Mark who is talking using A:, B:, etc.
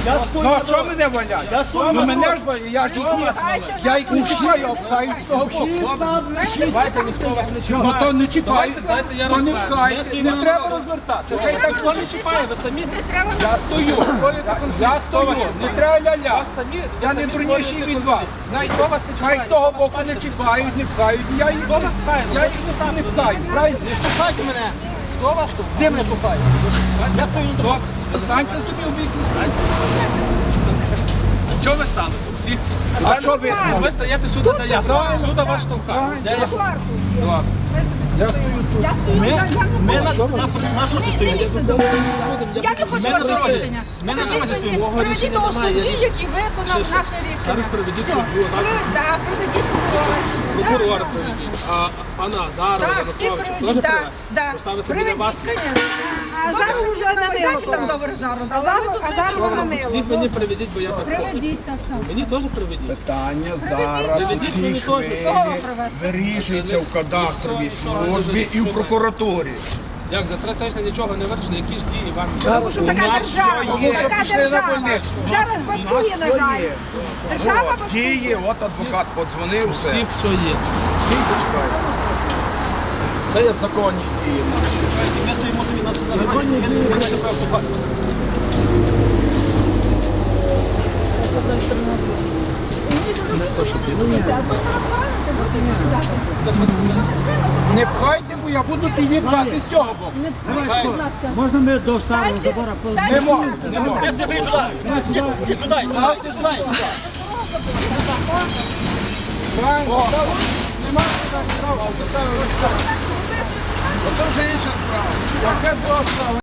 A: Ну а що мене валять? Ну мене ж валять, я ж я їх не чіпаю, а пхають з того боку.
B: Давайте, ніхто вас не
A: Ну
B: чіпає.
A: то не чіпають,
B: Дайте я
A: то не
B: розкажу.
A: пхають, не треба розвертати.
B: Ніхто не чіпає, ви самі.
A: Я стою, я стою, не треба ля-ля.
B: Вас самі, ви
A: Я не
B: самі
A: дурніший
B: створюєте
A: від вас.
B: конфлікт.
A: Знаєте,
B: Ніхто вас не
A: хай
B: чіпає.
A: з того боку не чіпають, не пхають. Я їх
B: Хто вас пхає?
A: не пхаю, правильно?
C: Слухайте мене.
B: Хто вас тут?
C: Де мене слухають? Я стою на дорозі.
A: Станьте собі в бік.
B: Чого ви стали тут? Всі?
A: А що ви стали?
B: Ви стоїте сюди, де я стою. Сюди вас штовхають. Де я? Два.
D: Я стою, я
C: Ми
D: не
C: на
D: можу.
C: нашу
D: Не
C: стоїмо.
D: лізьте до мене. Я не хочу
C: Ми на
D: вашого
C: дорозі.
D: рішення.
C: Ми на
D: Скажіть
C: дорозі
D: мені,
C: стоїмо.
D: приведіть того
B: Немає
D: судді,
B: рішення.
D: який виконав
B: Що?
D: наше рішення.
B: Зараз приведіть
D: Все.
B: суддю, зараз.
D: Так, приведіть прокурора.
B: Прокурора приведіть. А пана Азарова,
D: Так, всі
B: Ярославича теж
D: приведіть, так,
B: приведіть?
D: так.
B: Поставити біля
D: Приведіть,
B: вас?
D: звісно. А зараз вже на там до Вержару. А зараз вона
B: Всіх мені приведіть, бо я так хочу.
D: Приведіть, так.
B: Мені теж приведіть.
A: Питання зараз у
B: Приведіть мені
A: цій
B: теж.
A: хвилі
D: Кого привезти?
A: вирішується в кадастровій службі і в прокуратурі.
B: Як за 3 тижні нічого не вирішили, які ж дії вам?
D: Тому що така
A: нас
D: держава,
A: все є.
D: така
A: Пішли на
D: держава.
A: больничку.
D: Зараз бастує, на жаль. Держава
A: От, діє, от адвокат подзвонив, все.
B: Всіх все є.
A: Стійте, чекайте. Це є законні дії наші.
C: Ми стоїмо собі на законі. Ми не себе слухаємо.
A: Не пхайте, бо я буду тобі брати з цього боку.
D: Будь ласка.
E: Можна ми до старого забора?
A: Не можу, не можу.
C: Я не прийду туди. Іди туди. Ставте туди.
A: Правильно, нема права, поставили все. Це вже інша справа. А це друга справа.